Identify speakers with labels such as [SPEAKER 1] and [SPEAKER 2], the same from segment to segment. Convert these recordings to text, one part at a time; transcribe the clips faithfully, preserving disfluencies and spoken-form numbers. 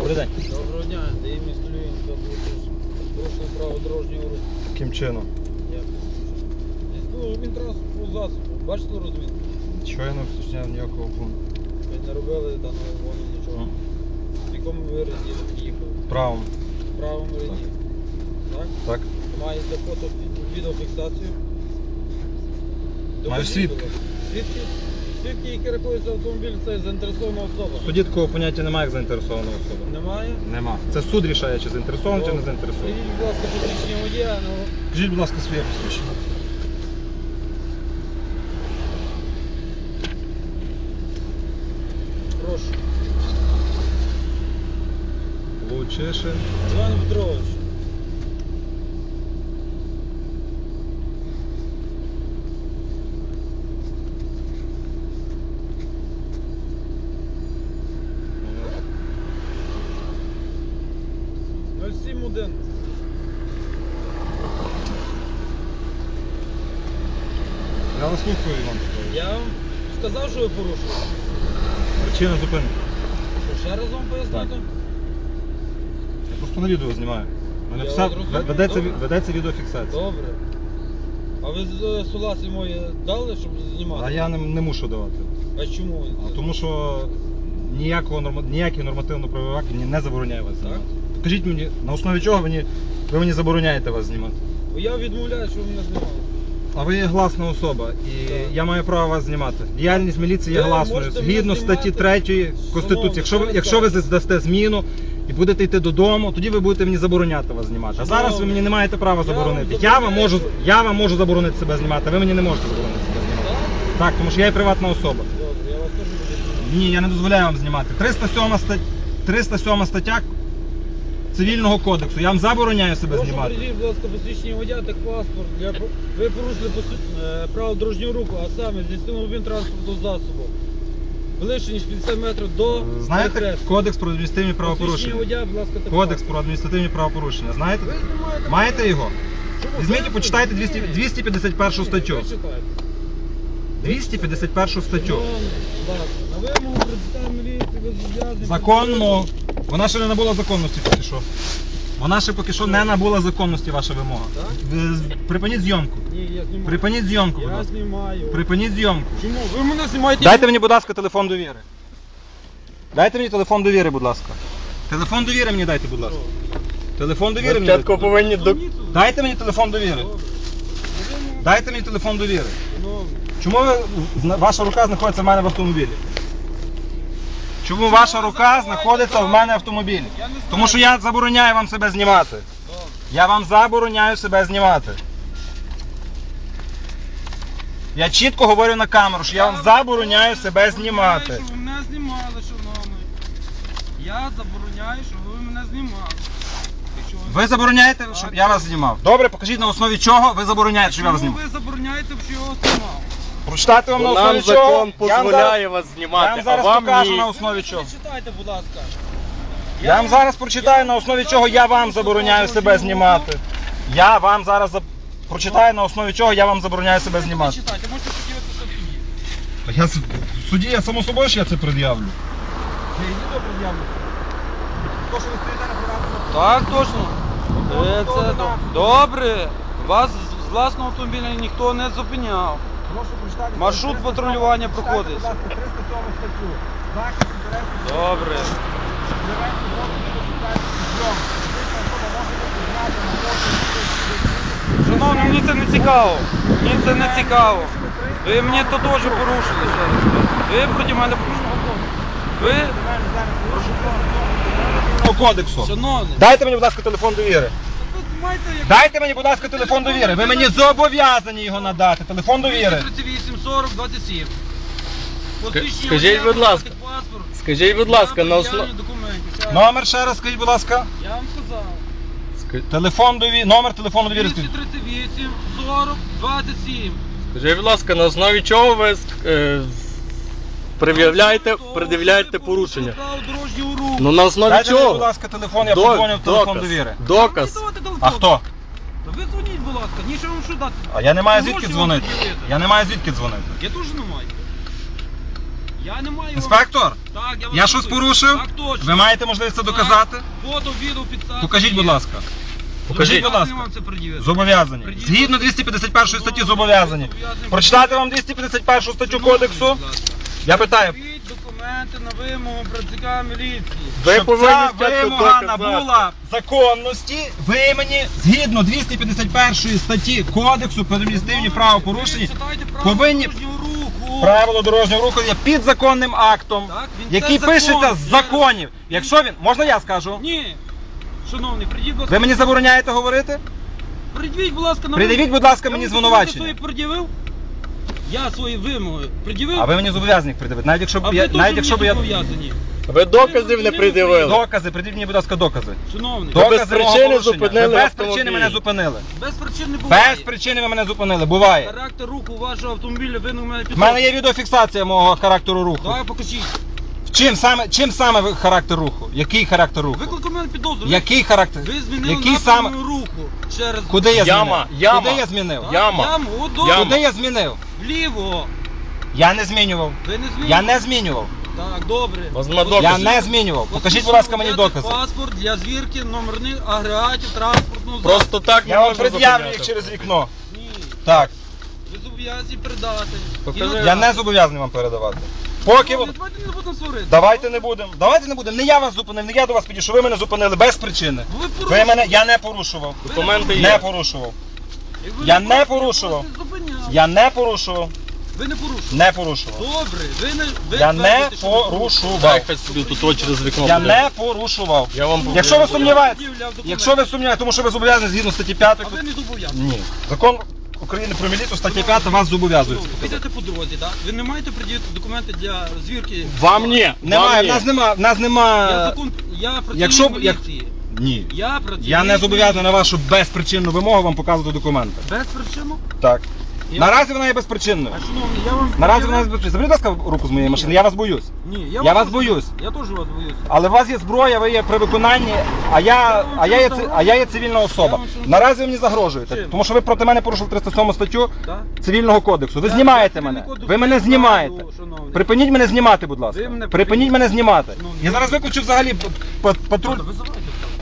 [SPEAKER 1] Добрий день.
[SPEAKER 2] Доброго дня, де є місто Львів, порушили право дорожнього руху.
[SPEAKER 1] Яким чином?
[SPEAKER 2] Як? Ну, він транспортного засобу. Бачите розмітку?
[SPEAKER 1] Чого я не вточняв ніякого пункту?
[SPEAKER 2] Ви не робили даного воно нічого. В якому ви ряді їхали?
[SPEAKER 1] Правом.
[SPEAKER 2] В правому ряді. Так?
[SPEAKER 1] Так.
[SPEAKER 2] Маєте фото відеофіксацію?
[SPEAKER 1] Маю свідки.
[SPEAKER 2] Свідки? Свідки, які рахуються автомобіль, це заінтересована особа.
[SPEAKER 1] В суді такого поняття немає, як заінтересована особа.
[SPEAKER 2] Немає?
[SPEAKER 1] Нема. Це суд рішає, чи заінтересований, чи не заінтересований.
[SPEAKER 2] Скажіть, будь ласка, посвідчення водія, ну...
[SPEAKER 1] Скажіть, будь ласка, своє посвідчення.
[SPEAKER 2] Прошу.
[SPEAKER 1] Лучишин.
[SPEAKER 2] Іван Петрович. нуль сім один.
[SPEAKER 1] Я вас слухаю, Іван Петрович.
[SPEAKER 2] Я вам сказав, що ви порушили.
[SPEAKER 1] Причина зупинки.
[SPEAKER 2] Що, ще раз вам пояснити?
[SPEAKER 1] Я просто на відео знімаю. У мене
[SPEAKER 2] Я
[SPEAKER 1] все
[SPEAKER 2] вас розумію.
[SPEAKER 1] ведеться,
[SPEAKER 2] Добре.
[SPEAKER 1] ведеться відеофіксація.
[SPEAKER 2] Добре. А ви з- согласі мої дали, щоб знімати?
[SPEAKER 1] А я не, не мушу давати.
[SPEAKER 2] А чому ви
[SPEAKER 1] А
[SPEAKER 2] це?
[SPEAKER 1] тому що ніякого норма... ніякий нормативно-правовий акт мені не забороняє вас знімати. Покажіть мені, на основі чого мені, ви мені забороняєте вас знімати.
[SPEAKER 2] Бо я відмовляю, що ви мене знімали.
[SPEAKER 1] А ви є гласна особа, і
[SPEAKER 2] Так.
[SPEAKER 1] я маю право вас знімати. Діяльність міліції є
[SPEAKER 2] Ви
[SPEAKER 1] гласною,
[SPEAKER 2] можете мене
[SPEAKER 1] згідно статті
[SPEAKER 2] знімати.
[SPEAKER 1] третьої Конституції. Якщо ви,
[SPEAKER 2] Шановний,
[SPEAKER 1] якщо ви
[SPEAKER 2] що ви
[SPEAKER 1] здасте зміну і будете йти додому, тоді ви будете мені забороняти вас знімати. А зараз ви
[SPEAKER 2] Шановний,
[SPEAKER 1] мені не маєте права
[SPEAKER 2] я вам
[SPEAKER 1] заборонити. Я вам можу,
[SPEAKER 2] забороняю.
[SPEAKER 1] я вам можу заборонити себе знімати, а ви мені не можете заборонити себе знімати.
[SPEAKER 2] Так?
[SPEAKER 1] Так, тому що я є приватна особа.
[SPEAKER 2] Добре, я вас теж буду знімати.
[SPEAKER 1] Ні, я не дозволяю вам знімати. триста сьома стаття, триста сьома стаття Цивільного кодексу. Я вам забороняю себе
[SPEAKER 2] Прошу,
[SPEAKER 1] знімати.
[SPEAKER 2] придіть, будь ласка, посвідчення водія та паспорт. Для... Ви порушили посвід- е, право дорожнього руху, а саме здійснили обмін транспортного засобу. Ближче, ніж п'ятдесят метрів до
[SPEAKER 1] Знаєте
[SPEAKER 2] перехрестя.
[SPEAKER 1] Кодекс про адміністративні
[SPEAKER 2] Посвідчення
[SPEAKER 1] правопорушення?
[SPEAKER 2] водія, будь ласка, та
[SPEAKER 1] Кодекс
[SPEAKER 2] паспорт.
[SPEAKER 1] про адміністративні правопорушення. Знаєте?
[SPEAKER 2] Ви знімаєте
[SPEAKER 1] Маєте
[SPEAKER 2] мене?
[SPEAKER 1] його?
[SPEAKER 2] Чому?
[SPEAKER 1] Візьміть і
[SPEAKER 2] Ви-
[SPEAKER 1] почитайте
[SPEAKER 2] Ні.
[SPEAKER 1] двісті, двісті п'ятдесят першу
[SPEAKER 2] Ні,
[SPEAKER 1] статтю.
[SPEAKER 2] ви читайте.
[SPEAKER 1] двісті п'ятдесят першу статтю.
[SPEAKER 2] Шановний, будь ласка, на вимогу представник міліції ви зобов'язані...
[SPEAKER 1] Законно. Вона ще не набула законності поки що. Вона ще поки що не набула законності, ваша вимога.
[SPEAKER 2] Так?
[SPEAKER 1] Ви з- Припиніть зйомку.
[SPEAKER 2] Ні, я знімаю.
[SPEAKER 1] Припиніть зйомку, будь
[SPEAKER 2] Я
[SPEAKER 1] ласка.
[SPEAKER 2] знімаю.
[SPEAKER 1] Припиніть зйомку.
[SPEAKER 2] Чому? Ви мене знімаєте?
[SPEAKER 1] Дайте мені, будь ласка, телефон довіри. Дайте мені телефон довіри, будь ласка. Телефон довіри мені дайте, будь ласка. Телефон довіри мені дайте.
[SPEAKER 3] повинні до...
[SPEAKER 1] Дайте мені телефон довіри. Дайте мені телефон довіри. Чому ви, зна- ваша рука знаходиться в мене в автомобілі? Чому ваша рука знаходиться в мене в автомобілі? Тому що я забороняю вам себе знімати. Я вам забороняю себе знімати. Я чітко говорю на камеру, що я вам забороняю себе знімати.
[SPEAKER 2] Щоб ви мене знімали, шановний. Я забороняю, щоб ви мене знімали. Якщо
[SPEAKER 1] Ви забороняєте, щоб я вас знімав? Добре, покажіть на основі чого ви забороняєте, щоб я вас
[SPEAKER 2] Чому
[SPEAKER 1] знімав.
[SPEAKER 2] ви забороняєте, щоб я його знімав?
[SPEAKER 1] Прочитати вам на
[SPEAKER 3] Бо
[SPEAKER 1] основі
[SPEAKER 3] нам
[SPEAKER 1] чого?
[SPEAKER 3] закон
[SPEAKER 1] Я вам
[SPEAKER 3] дозволяє
[SPEAKER 1] зараз-
[SPEAKER 3] вас
[SPEAKER 1] Я
[SPEAKER 3] знімати,
[SPEAKER 1] вам
[SPEAKER 3] а
[SPEAKER 1] зараз
[SPEAKER 3] вам
[SPEAKER 1] покажу
[SPEAKER 3] ні.
[SPEAKER 1] на основі
[SPEAKER 2] Ви
[SPEAKER 1] чого.
[SPEAKER 2] читайте, будь ласка.
[SPEAKER 1] Я вам зараз прочитаю на основі чого я вам забороняю себе знімати. Я вам зараз за- прочитаю на основі чого я вам забороняю себе знімати.
[SPEAKER 2] Читайте, можете подивитися в суді.
[SPEAKER 1] Я з- в суді, я само собою ж я це пред'явлю.
[SPEAKER 2] Я йди до пред'явлю.
[SPEAKER 1] То, що ви стоїте на приватному
[SPEAKER 2] Так, точно. Е,
[SPEAKER 1] Хто
[SPEAKER 2] Це
[SPEAKER 1] ви
[SPEAKER 2] до-
[SPEAKER 1] нам?
[SPEAKER 2] добре. Вас з з власного автомобіля ніхто не зупиняв.
[SPEAKER 1] Прошу прочитати.
[SPEAKER 2] Маршрут
[SPEAKER 1] триста сьома
[SPEAKER 2] патрулювання
[SPEAKER 1] Прочитайте,
[SPEAKER 2] проходить.
[SPEAKER 1] будь ласка, триста сьому статтю. Захист інтересів.
[SPEAKER 2] Добре.
[SPEAKER 1] Директор зовсім відповідальність зйомки. Фізична особа може бути знята на фото.
[SPEAKER 2] Шановні, мені це не цікаво. Мені це не цікаво. Ви мені то теж порушили. ще раз. Ви проти мене порушили. Ви,
[SPEAKER 1] Кодексу.
[SPEAKER 2] шановний,
[SPEAKER 1] Дайте мені, будь ласка, телефон довіри.
[SPEAKER 2] ви маєте як...
[SPEAKER 1] Дайте мені, будь ласка, телефон довіри. Ви мені зобов'язані його надати. Телефон довіри.
[SPEAKER 2] тридцять вісім сорок двадцять сім. Посвідчення
[SPEAKER 3] скажіть,
[SPEAKER 2] водія,
[SPEAKER 3] будь ласка,
[SPEAKER 2] паспорт.
[SPEAKER 3] Скажіть, будь ласка, на основі...
[SPEAKER 2] пред'явлення документів. Ще раз.
[SPEAKER 1] Номер ще раз скажіть, будь ласка.
[SPEAKER 2] Я вам сказав.
[SPEAKER 1] Телефон довіри. Номер телефону довіри
[SPEAKER 2] двісті
[SPEAKER 1] скажіть.
[SPEAKER 2] тридцять вісім сорок двадцять сім.
[SPEAKER 3] Скажіть, будь ласка, на основі чого ви е, пред'являєте, пред'являєте порушення?
[SPEAKER 2] Право дорожнього руху.
[SPEAKER 3] Ну на основі
[SPEAKER 1] Дайте мені,
[SPEAKER 3] чого?
[SPEAKER 1] будь ласка, телефон, я
[SPEAKER 3] До-
[SPEAKER 1] подзвоню в телефон
[SPEAKER 3] доказ.
[SPEAKER 1] довіри.
[SPEAKER 3] Доказ.
[SPEAKER 2] Давайте телефон.
[SPEAKER 1] А хто?
[SPEAKER 2] Та ви дзвоніть, будь ласка, нічого вам що дати.
[SPEAKER 1] А я не маю
[SPEAKER 2] Гроші
[SPEAKER 1] звідки
[SPEAKER 2] вам
[SPEAKER 1] дзвонити.
[SPEAKER 2] приділити.
[SPEAKER 1] Я не маю звідки дзвонити.
[SPEAKER 2] Я теж не маю. Я не маю вам-
[SPEAKER 1] Інспектор,
[SPEAKER 2] Так, я, вас
[SPEAKER 1] я щось
[SPEAKER 2] слухаю.
[SPEAKER 1] порушив?
[SPEAKER 2] Так точно.
[SPEAKER 1] Ви маєте можливість це
[SPEAKER 2] Так.
[SPEAKER 1] доказати?
[SPEAKER 2] Фото, відео, підставки.
[SPEAKER 1] Покажіть, будь
[SPEAKER 2] є.
[SPEAKER 1] ласка. Покажіть, будь ласка.
[SPEAKER 2] Вам це пред'явити.
[SPEAKER 1] Зобов'язані.
[SPEAKER 2] Придіть,
[SPEAKER 1] Згідно двісті п'ятдесят першої статті зобов'язані. Прочитати вам двісті п'ятдесят першу статтю
[SPEAKER 2] Шановний,
[SPEAKER 1] кодексу?
[SPEAKER 2] будь ласка.
[SPEAKER 1] Я питаю.
[SPEAKER 2] Покажіть документи на вимогу працівника міліції.
[SPEAKER 3] Ви
[SPEAKER 1] Щоб
[SPEAKER 3] повинні
[SPEAKER 1] ця
[SPEAKER 3] спочатку
[SPEAKER 1] вимога
[SPEAKER 3] доказати.
[SPEAKER 1] набула законності, ви мені, згідно двісті п'ятдесят першої статті Кодексу про адміністративні правопорушення,
[SPEAKER 2] Читайте правила
[SPEAKER 1] повинні
[SPEAKER 2] дорожнього руху.
[SPEAKER 1] правило дорожнього руху є підзаконним актом,
[SPEAKER 2] Так, він
[SPEAKER 1] який
[SPEAKER 2] це
[SPEAKER 1] пишеться
[SPEAKER 2] закон.
[SPEAKER 1] з законів. Якщо він, можна я скажу?
[SPEAKER 2] Ні. Шановний, придіть, будь ласка.
[SPEAKER 1] Ви мені забороняєте говорити?
[SPEAKER 2] Придивіть, будь ласка, на
[SPEAKER 1] Придивіть,
[SPEAKER 2] вимогу.
[SPEAKER 1] будь ласка,
[SPEAKER 2] Я
[SPEAKER 1] мені
[SPEAKER 2] вам
[SPEAKER 1] звинувачення.
[SPEAKER 2] документи свої пред'явив? Я свої вимоги пред'явив?
[SPEAKER 1] А ви мені зобов'язані їх придивити. Навіть якщо
[SPEAKER 2] А
[SPEAKER 1] б
[SPEAKER 2] ви
[SPEAKER 1] я,
[SPEAKER 2] теж
[SPEAKER 1] навіть якщо б
[SPEAKER 2] мені
[SPEAKER 1] я
[SPEAKER 2] зобов'язані.
[SPEAKER 3] Ви доказів не пред'явили.
[SPEAKER 1] докази, придивіть мені, будь ласка, докази.
[SPEAKER 2] Шановний,
[SPEAKER 3] До- без
[SPEAKER 1] Докази мого
[SPEAKER 3] причини
[SPEAKER 1] порушення.
[SPEAKER 3] зупинили
[SPEAKER 1] Ви без
[SPEAKER 3] автомобіль.
[SPEAKER 1] причини мене зупинили.
[SPEAKER 2] без причин не буває.
[SPEAKER 1] Без причини ви мене зупинили. Буває.
[SPEAKER 2] Характер руху вашого автомобіля ви на мене
[SPEAKER 1] В мене є відеофіксація мого характеру руху.
[SPEAKER 2] Давай покажіть.
[SPEAKER 1] Чим саме, чим саме ви- характер руху? Який характер руху?
[SPEAKER 2] Виклик у мене підозру.
[SPEAKER 1] Який характер?
[SPEAKER 2] Ви змінили
[SPEAKER 1] Який
[SPEAKER 2] напряму
[SPEAKER 1] саме?
[SPEAKER 2] руху. Ще раз.
[SPEAKER 1] Куди я
[SPEAKER 3] Яма,
[SPEAKER 1] змінив?
[SPEAKER 3] яма.
[SPEAKER 1] Куди я змінив?
[SPEAKER 2] Так,
[SPEAKER 3] Яма.
[SPEAKER 2] Яму, от добре.
[SPEAKER 3] Яма.
[SPEAKER 1] Куди я змінив?
[SPEAKER 2] Вліво.
[SPEAKER 1] Я не змінював.
[SPEAKER 2] Ви не змінили?
[SPEAKER 1] Я не змінював.
[SPEAKER 2] Так, добре.
[SPEAKER 3] Вас нема
[SPEAKER 2] Ось
[SPEAKER 3] доказів.
[SPEAKER 1] Я
[SPEAKER 2] ось
[SPEAKER 1] не
[SPEAKER 2] ось
[SPEAKER 1] змінював.
[SPEAKER 2] ось
[SPEAKER 1] Покажіть,
[SPEAKER 2] ось
[SPEAKER 1] будь ласка, мені
[SPEAKER 2] взяти
[SPEAKER 1] докази.
[SPEAKER 2] Паспорт для звірки номерних агрегатів транспортного засобу.
[SPEAKER 3] Просто так не
[SPEAKER 1] Я вам
[SPEAKER 3] можна
[SPEAKER 1] пред'явлю
[SPEAKER 3] зупиняти.
[SPEAKER 1] їх через вікно.
[SPEAKER 2] Ні.
[SPEAKER 1] Так.
[SPEAKER 2] Ви зобов'язані передати.
[SPEAKER 3] Покажи.
[SPEAKER 2] І на-
[SPEAKER 1] Я не зобов'язаний вам передавати. Поки ви...
[SPEAKER 2] Ну, Давайте не будемо сварити.
[SPEAKER 1] Давайте не будемо. Давайте не будемо. Не я вас зупинив, не я до вас підійшов. Ви мене зупинили без причини.
[SPEAKER 2] Ви
[SPEAKER 1] Ви
[SPEAKER 2] порушили.
[SPEAKER 1] мене, я не порушував.
[SPEAKER 3] Документи
[SPEAKER 1] Не
[SPEAKER 3] є.
[SPEAKER 1] порушував.
[SPEAKER 2] І ви
[SPEAKER 1] Я
[SPEAKER 2] не
[SPEAKER 1] не
[SPEAKER 2] порушили,
[SPEAKER 1] порушував.
[SPEAKER 2] вас не зупиняли.
[SPEAKER 1] Я не порушував.
[SPEAKER 2] Ви не порушили.
[SPEAKER 1] Не порушував.
[SPEAKER 2] Добре, ви не ви
[SPEAKER 1] Я не
[SPEAKER 2] твердите, що ви порушили.
[SPEAKER 1] порушував.
[SPEAKER 3] Дай хай собі тут от через вікно
[SPEAKER 1] Я
[SPEAKER 3] буде.
[SPEAKER 1] не порушував.
[SPEAKER 3] Я вам
[SPEAKER 1] Якщо ви
[SPEAKER 3] покажу.
[SPEAKER 1] сумніваєтесь,
[SPEAKER 2] Пред'являв документи.
[SPEAKER 1] якщо ви сумніваєтесь, тому що ви зобов'язані згідно статті п'ятої.
[SPEAKER 2] А ви не зобов'язані.
[SPEAKER 1] Ні. Закон України про міліцію, стаття п'ята вас зобов'язує.
[SPEAKER 2] Ну, Ви йдете по дорозі, так? Ви не маєте пред'явити документи для звірки.
[SPEAKER 3] Вам ні.
[SPEAKER 1] Немає,
[SPEAKER 3] Вам
[SPEAKER 1] в
[SPEAKER 3] ні.
[SPEAKER 1] нас нема, в нас
[SPEAKER 2] Я
[SPEAKER 1] нема.
[SPEAKER 2] закон, я працівник
[SPEAKER 1] Якщо б- як-
[SPEAKER 2] міліції.
[SPEAKER 1] Ні.
[SPEAKER 2] Я працівник
[SPEAKER 1] Я не зобов'язаний на
[SPEAKER 2] міліції.
[SPEAKER 1] вашу безпричинну вимогу вам показувати документи.
[SPEAKER 2] Без причину?
[SPEAKER 1] Так.
[SPEAKER 2] Я-
[SPEAKER 1] Наразі вона є безпричинною.
[SPEAKER 2] А шановний, я вам...
[SPEAKER 1] Наразі вона є безпричинною. Заберіть, будь ласка, руку з моєї машини, я вас боюсь.
[SPEAKER 2] Ні,
[SPEAKER 1] Я
[SPEAKER 2] вам
[SPEAKER 1] вас
[SPEAKER 2] теж-
[SPEAKER 1] боюсь.
[SPEAKER 2] Я теж вас боюсь.
[SPEAKER 1] Але у вас є зброя, ви є при виконанні, а я, а я, є, ци- а я є цивільна особа. Наразі ви мені загрожуєте,
[SPEAKER 2] Чим?
[SPEAKER 1] тому що ви проти мене порушили триста сьому статтю
[SPEAKER 2] Так?
[SPEAKER 1] Цивільного кодексу. Ви
[SPEAKER 2] Я
[SPEAKER 1] знімаєте
[SPEAKER 2] цивільний
[SPEAKER 1] мене.
[SPEAKER 2] кодекс
[SPEAKER 1] Ви мене
[SPEAKER 2] не
[SPEAKER 1] знімаєте.
[SPEAKER 2] знаю, шановний.
[SPEAKER 1] Припиніть мене знімати, будь ласка.
[SPEAKER 2] Ви мене
[SPEAKER 1] Припиніть
[SPEAKER 2] припиніть.
[SPEAKER 1] мене знімати.
[SPEAKER 2] Ну,
[SPEAKER 1] Я
[SPEAKER 2] я-
[SPEAKER 1] зараз виключу взагалі п- п- патруль.
[SPEAKER 2] Добре, визивайте.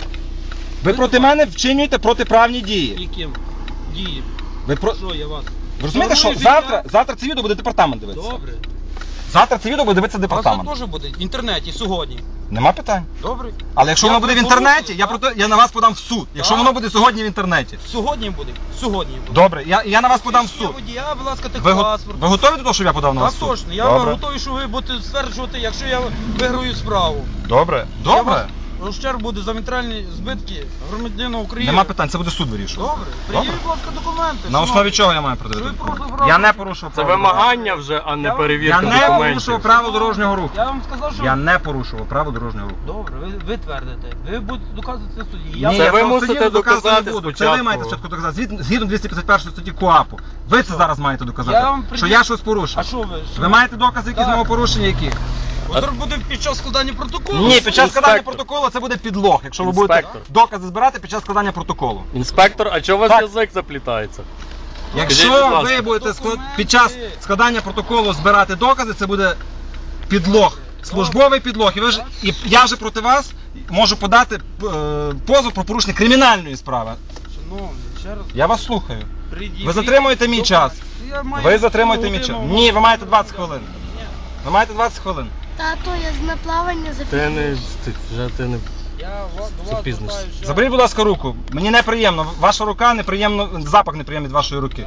[SPEAKER 1] Ви проти мене вчинюєте протиправні дії.
[SPEAKER 2] Яким? Дії.
[SPEAKER 1] Ви про...
[SPEAKER 2] Що я вас?
[SPEAKER 1] Ви розумієте, що
[SPEAKER 2] Нормальне
[SPEAKER 1] завтра,
[SPEAKER 2] життя.
[SPEAKER 1] завтра це відео буде департамент дивитися.
[SPEAKER 2] Добре.
[SPEAKER 1] Завтра це відео буде дивитися
[SPEAKER 2] А це
[SPEAKER 1] департамент.
[SPEAKER 2] теж буде в інтернеті сьогодні.
[SPEAKER 1] Нема питань.
[SPEAKER 2] Добре.
[SPEAKER 1] Але якщо
[SPEAKER 2] Я
[SPEAKER 1] воно буде в
[SPEAKER 2] порушую,
[SPEAKER 1] інтернеті, я
[SPEAKER 2] так?
[SPEAKER 1] проти я на вас подам в суд. Якщо
[SPEAKER 2] Так.
[SPEAKER 1] воно буде сьогодні в інтернеті.
[SPEAKER 2] Сьогодні буде. Сьогодні буде.
[SPEAKER 1] Добре, я, я на вас подам в
[SPEAKER 2] Посвідчення
[SPEAKER 1] суд.
[SPEAKER 2] водія, будь ласка,
[SPEAKER 1] Ви, го-
[SPEAKER 2] техпаспорт.
[SPEAKER 1] ви готові до того, щоб я подав на
[SPEAKER 2] Так
[SPEAKER 1] вас в суд?
[SPEAKER 2] точно. Я
[SPEAKER 1] Добре.
[SPEAKER 2] готовий, що ви будете стверджувати, якщо я виграю справу.
[SPEAKER 1] Добре.
[SPEAKER 2] Я
[SPEAKER 1] Добре.
[SPEAKER 2] вас- Ущерб буде за матеріальні збитки громадянина України.
[SPEAKER 1] Нема питань, це буде суд вирішувати.
[SPEAKER 2] Добре. Пред'явіть, будь ласка, документи.
[SPEAKER 1] На основі
[SPEAKER 2] шановний.
[SPEAKER 1] чого я маю
[SPEAKER 2] Ви
[SPEAKER 1] продавати?
[SPEAKER 2] порушили
[SPEAKER 1] Я
[SPEAKER 2] право.
[SPEAKER 1] не порушував
[SPEAKER 3] Це
[SPEAKER 1] право.
[SPEAKER 3] вимагання вже, а не
[SPEAKER 2] Я-
[SPEAKER 3] перевірка
[SPEAKER 1] Я не
[SPEAKER 3] документів.
[SPEAKER 1] порушував право дорожнього руху.
[SPEAKER 2] Я вам сказав, що...
[SPEAKER 1] Я не порушував право дорожнього руху.
[SPEAKER 2] Добре, ви, ви твердите. Ви будете доказувати це в суді.
[SPEAKER 1] Ні,
[SPEAKER 2] Я
[SPEAKER 3] Це
[SPEAKER 1] я
[SPEAKER 3] ви
[SPEAKER 1] вам
[SPEAKER 3] мусите
[SPEAKER 1] судді доказувати
[SPEAKER 3] доказати
[SPEAKER 1] не буду. Це
[SPEAKER 3] спочатку.
[SPEAKER 1] ви маєте спочатку доказати. Згідно- Згідно двісті п'ятдесят першої статті КУАПу. Ви це зараз маєте доказати.
[SPEAKER 2] Я вам
[SPEAKER 1] Що
[SPEAKER 2] приділ-
[SPEAKER 1] я щось порушив.
[SPEAKER 2] А що ви? Що
[SPEAKER 1] Ви маєте докази, які з
[SPEAKER 2] Так.
[SPEAKER 1] мого порушення, які?
[SPEAKER 2] Удар буде під час складання протоколу?
[SPEAKER 1] Ні, під час складання
[SPEAKER 3] Інспектор.
[SPEAKER 1] протоколу це буде підлог, якщо ви будете
[SPEAKER 3] Інспектор.
[SPEAKER 1] докази збирати під час складання протоколу.
[SPEAKER 3] Інспектор, а чого у вас
[SPEAKER 1] Так.
[SPEAKER 3] язик заплітається?
[SPEAKER 1] Якщо
[SPEAKER 3] Скажіть, будь ласка.
[SPEAKER 1] ви будете склад...
[SPEAKER 2] Документи.
[SPEAKER 1] під час складання протоколу збирати докази, це буде підлог, службовий підлог. І, ви ж... і я вже проти вас можу подати е, позов про порушення кримінальної справи.
[SPEAKER 2] Шановний, ще раз.
[SPEAKER 1] Я вас слухаю.
[SPEAKER 2] Пред'явіть
[SPEAKER 1] Ви затримуєте мій час.
[SPEAKER 2] документи. Я маю
[SPEAKER 1] Ви затримуєте мій
[SPEAKER 2] годину,
[SPEAKER 1] час.
[SPEAKER 2] можу-
[SPEAKER 1] Ні, ви маєте двадцять хвилин.
[SPEAKER 2] Ні.
[SPEAKER 1] Ви маєте двадцять хвилин.
[SPEAKER 4] Тато, я з наплавання
[SPEAKER 3] Ти
[SPEAKER 4] запізнився.
[SPEAKER 3] не ти, вже ти не.
[SPEAKER 2] Я ва- до
[SPEAKER 3] Це
[SPEAKER 2] вас
[SPEAKER 3] бізнес.
[SPEAKER 2] звертаюсь, що-
[SPEAKER 1] Заберіть, будь ласка, руку. Мені неприємно. Ваша рука неприємно, запах неприємний від вашої руки.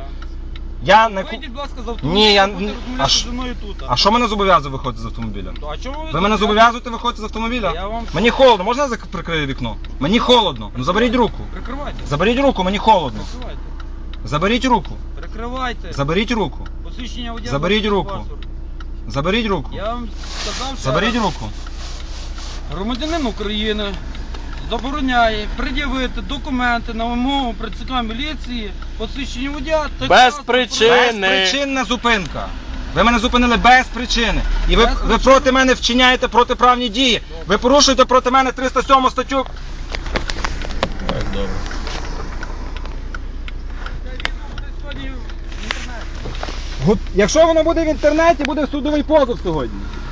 [SPEAKER 1] Я не ку-
[SPEAKER 2] Вийдіть, будь ласка, з автомобіля.
[SPEAKER 1] Ні, я
[SPEAKER 2] будете
[SPEAKER 1] ні-
[SPEAKER 2] розмовляти
[SPEAKER 1] а ш-
[SPEAKER 2] зі мною тут.
[SPEAKER 1] А що мене зобов'язує виходити з автомобіля?
[SPEAKER 2] То, а чому ви
[SPEAKER 1] Ви мене зобов'язуєте виходити з автомобіля?
[SPEAKER 2] Я вам-
[SPEAKER 1] Мені холодно, можна я зак- прикрию вікно? Мені холодно. Ну заберіть руку.
[SPEAKER 2] Прикривайте.
[SPEAKER 1] Заберіть руку, мені холодно.
[SPEAKER 2] Прикривайте.
[SPEAKER 1] Заберіть руку.
[SPEAKER 2] Прикривайте.
[SPEAKER 1] Заберіть руку.
[SPEAKER 2] Посвідчення водія.
[SPEAKER 1] Заберіть
[SPEAKER 2] вашого
[SPEAKER 1] руку.
[SPEAKER 2] паспорту.
[SPEAKER 1] Заберіть руку.
[SPEAKER 2] Я вам сказав, що
[SPEAKER 1] Заберіть руку.
[SPEAKER 2] громадянин України забороняє пред'явити документи на вимогу працівника міліції, посвідчення водія та
[SPEAKER 3] Без
[SPEAKER 2] паспорт.
[SPEAKER 3] причин.
[SPEAKER 1] Безпричинна зупинка. Ви мене зупинили без причини. І ви,
[SPEAKER 2] Без
[SPEAKER 1] ви
[SPEAKER 2] причини.
[SPEAKER 1] проти мене вчиняєте протиправні дії. Ви порушуєте проти мене триста сьому статтю.
[SPEAKER 3] Так, добре.
[SPEAKER 2] Це відео буде сьогодні в інтернеті.
[SPEAKER 1] Гу- Якщо воно буде в інтернеті, буде судовий позов сьогодні.